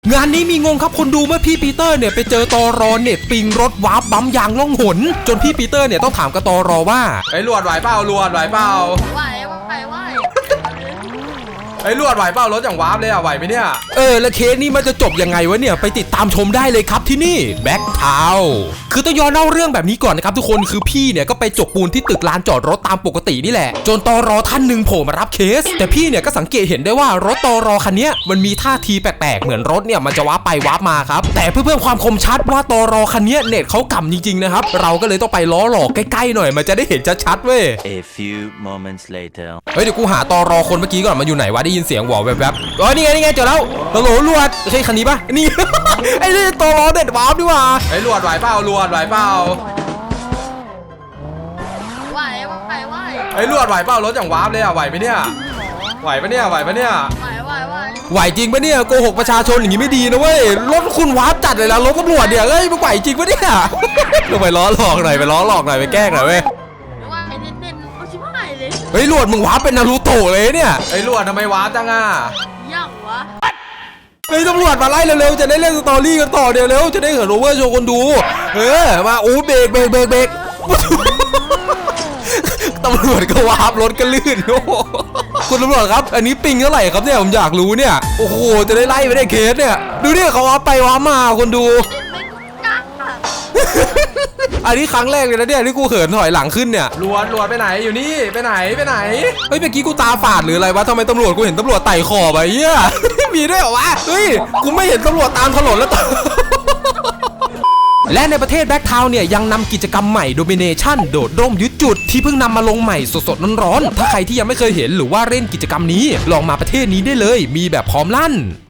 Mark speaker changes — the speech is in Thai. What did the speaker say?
Speaker 1: งานนี้มีงงครับคนดูเมื่อพี่ปีเตอร์เนี่ยไปเจอตอรอเน็ตปิงรถวาร์ปบัมยางล่องหนจนพี่ปีเตอร์เนี่ยต้องถามกับตอรอว่า
Speaker 2: ไอ้ลวดไหวเปล่าลวดไหวเปล่า
Speaker 3: ไหว
Speaker 2: ไอ้ลวดไหวเปล่ารถอย่างวาร์ปเลยอ่ะไหวไหมเนี่ย
Speaker 1: แล้วเคสนี้มันจะจบยังไงวะเนี่ยไปติดตามชมได้เลยครับที่นี่แบ็คทาวน์คือต้องย้อนเล่าเรื่องแบบนี้ก่อนนะครับทุกคนคือพี่เนี่ยก็ไปจกปูนที่ตึกลานจอดรถตามปกตินี่แหละจนตอรอท่านหนึ่งโผล่มารับเคสแต่พี่เนี่ยก็สังเกตเห็นได้ว่ารถตอรอคันนี้มันมีท่าทีแปลกๆเหมือนรถเนี่ยมันจะวาร์ปไปวาร์ปมาครับแต่เพื่อเพิ่มความคมชัดว่าตอรอคันนี้เน็ตเขากำจริงๆนะครับเราก็เลยต้องไปล้อหลอกใกล้ๆหน่อยมันจะได้เห็นชัดๆเว้ย
Speaker 4: A few moments later
Speaker 1: เฮ้ยเดี๋ยวกูหาตอรอคนเมื่อกี้ก่อนมันอยู่ไหนวะได้ยินเสียงหวอแวบๆนี่ไงเจอแล้วตำรวจลวดใช่คันนี้ปะนี่ ไอ้นี่ตอรอเด็ดวาร์ปดีกว่า
Speaker 2: ไอ้ลวดไหวเปล่าลวดไหวเปล่าไอ้ลวดไหวเปล่ารถอย่างวาร์ปเลยอ่ะไหวไหมเนี่ยไหวปะเนี่ย
Speaker 1: ไหวจริงปะเนี่ยโกหกประชาชนอย่างงี้ไม่ดีนะเว้ยรถคุณวาร์ปจัดเลยนะรถตำรวจเนี่ยเฮ้ยมันไหวจริงปะเนี่ยลงไปล้อหลอกหน่อยไปล้อหลอกหน่อยไปแกล้งหน่อยเว้ยเฮ้ยลวดมึงวาร์ปเป็นนารูโตะเลยเนี่ย
Speaker 2: ไอ้ลวดทำไมวาร์ปจังอ่ะ
Speaker 3: ยังวะ
Speaker 1: เฮ้ยตำรวจมาไล่เร็วๆจะได้เล่นสตอรี่กันต่อเดี๋ยวเร็วจะได้เหินโอเวอร์โชว์คนดูมาโอ้เบรกตำรวจก็วาร์ปรถก็ลื่นโอ้คุณตำรวจครับอันนี้ปิงเท่าไหร่ครับเนี่ยผมอยากรู้เนี่ยโอ้โหจะได้ไล่ไปได้เคสเนี่ยดูเนี่ยเขาวาร์ปไปวาร์ปมาคนดูอันนี้ครั้งแรกเลยนะเนี่ยที่กูเหินถอยหลังขึ้นเนี่ย
Speaker 2: ลวดไปไหนอยู่นี่ไปไหน
Speaker 1: เฮ้ยเมื่อกี้กูตาฝาดหรืออะไรวะทำไมตำรวจกูเห็นตำรวจไต่ขอบอะเหี้ยมีด้วยเหรอวะเฮ้ยกูไม่เห็นตำรวจตามถนนแล้ว และในประเทศแบ็คทาวน์เนี่ยยังนำกิจกรรมใหม่ Domination โดดร่มยึดจุดที่เพิ่งนำมาลงใหม่สดๆร้อนๆถ้าใครที่ยังไม่เคยเห็นหรือว่าเล่นกิจกรรมนี้ลองมาประเทศนี้ได้เลยมีแบบพร้อมลั่น